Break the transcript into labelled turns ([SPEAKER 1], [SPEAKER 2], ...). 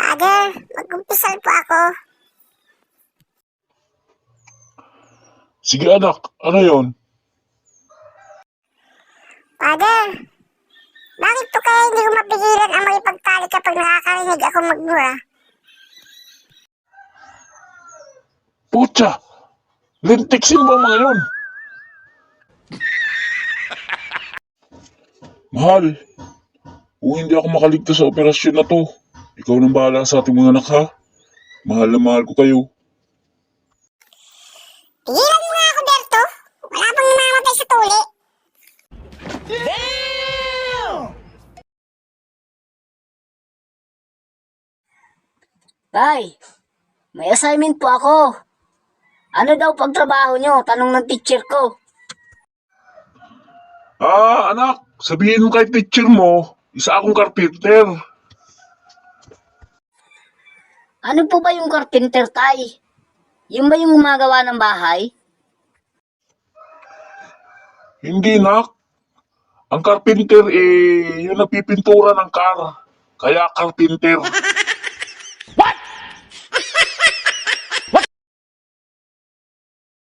[SPEAKER 1] Father, mag-umpisal po ako.
[SPEAKER 2] Sige anak, ano yon?
[SPEAKER 1] Father, bakit po kaya hindi ko mapigilan ang makipagtalik kapag nakakarinig ako magmura?
[SPEAKER 2] Putya! Lintiksin mo ang mga yun! Mahal, kung hindi ako makaligtas sa operasyon na to, ikaw nang bahala sa ating mga anak ha. Mahal na mahal ko kayo.
[SPEAKER 1] Pigilan mo nga ako, Berto. Wala pang namamatay sa tuli.
[SPEAKER 3] Tay, may assignment po ako. Ano daw pagtrabaho nyo? Tanong ng teacher ko.
[SPEAKER 2] Anak, sabihin mo kay teacher mo, isa akong carpenter.
[SPEAKER 3] Ano po ba yung carpenter, Tay? Yung ba yung gumagawa ng bahay?
[SPEAKER 2] Hindi nak. Ang carpenter yung napipintura ng car. Kaya carpenter.
[SPEAKER 4] What?